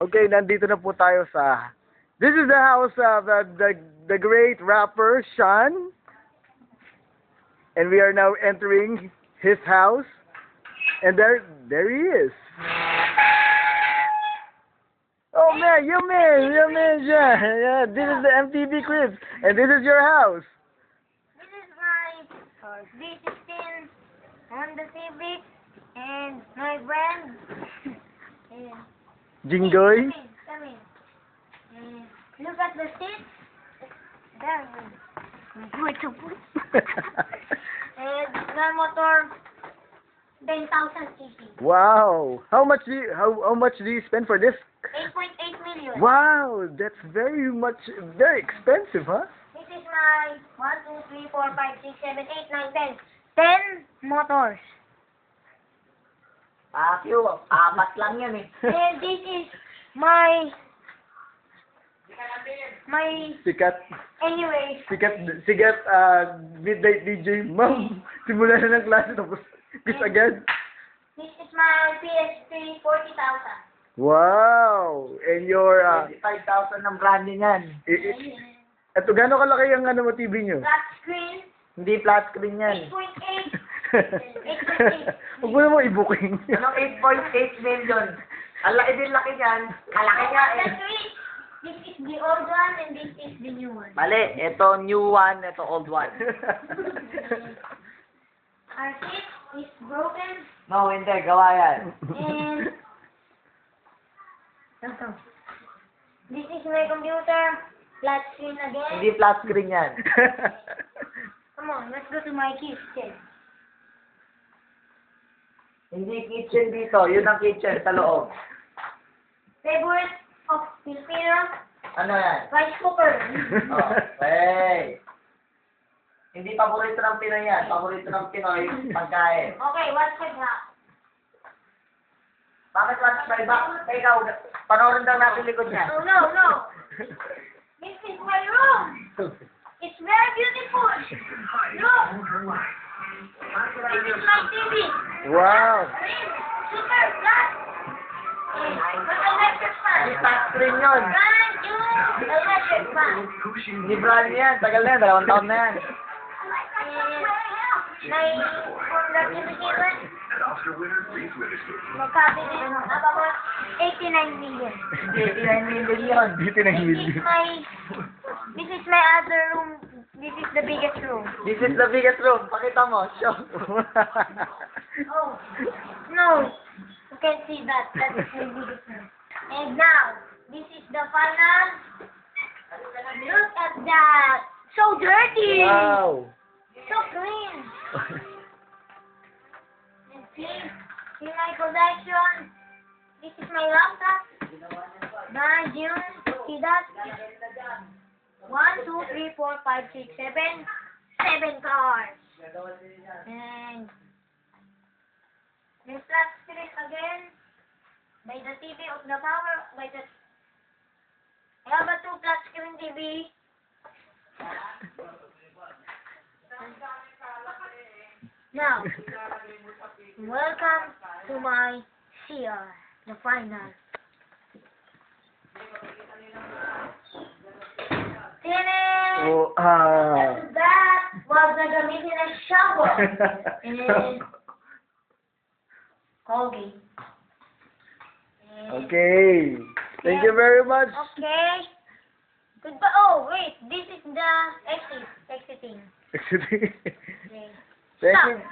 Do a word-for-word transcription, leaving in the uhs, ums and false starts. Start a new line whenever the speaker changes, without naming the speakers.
Okay, nandito na po tayo sa... This is the house of uh, the the great rapper, Sean. And we are now entering his house. And there there he is. Oh man, you man, you man, yeah, yeah. This is the M T V Cribs. And this is your house.
This is my D sixteen Honda Civic and my brand. And
Jingoy.
Come in, come in. And look at the seats. There. Wait, and my motor, ten thousand cc.
Wow. How much do you, how how much do you spend for this?
eight point eight million.
Wow, that's very much very expensive, huh?
This is my one, two, three, four, five, six, seven, eight, nine, ten. ten motors.
Ah, Q, apat lang yan eh.
And this is my my
Sikat,
anyway.
sikat, sikat, uh, midnight D J. Ma'am, simula na ng klase tapos kiss agad.
This is my P S three forty thousand.
Wow! And your, uh,
twenty-five thousand ng branding yan.
i- i- eto, gano'n kalaki ang ano mo T V nyo?
Flat screen,
Hindi flat screen yan.
eight point eight.
Huwag mo naman i-booking.
Anong eight point eight million? Ang laki din laki yan. Kalaki nga eh.
That's it. This is the old one and this is the new one.
Mali, ito new one, ito old one.
Our seat is broken
No, hindi, gawa yan.
and ito. This is my computer. Flat screen again.
Hindi flat screen yan.
Come on, let's go to my kitchen.
Hindi kitchen dito, yun ang kitchen sa loob.
Favorite of Filipino,
Ano yan?
rice cooker.
Oh, hey. Hindi paborito ng Pinoy yan. Paborito ng Pinoy, pagkain.
Okay, what's with that?
Bakit what's my back? Ikaw, panoorin daw natin likod niya.
Oh, no, no. This is my room. It's very beautiful. Look. This is my T V.
Wow!
Super flat. And with electric fan.
Hindi flat screen yun.
Brand new electric fan.
Hindi brand yan. Tagal na yan. Dalawang taon na yan.
And my conductivity my cabinet about eighty-nine million.
eighty-nine million yun.
Dito na
This is my, this is my other room. This is the biggest room.
This is the biggest room. Pakita mo. Show.
Oh, no. You can't see that. That is the biggest room. And now, this is the final. Look at that. So dirty.
Wow!
So clean. And see, see my collection. This is my laptop. Brand new. See that? One, two, three, four, five, six, seven. Seven cars. And the flat screen again. By the T V of the power. By the I have a two flat screen T V. Now, welcome to my C R, the final. Finish!
Oh, ah.
That was gagamitin ng shower. And Colgate. And-
Okay. Thank you very much.
Okay. Goodbye. Oh, wait. This is the exit. Exiting. Okay.
Thank
Stop.
you.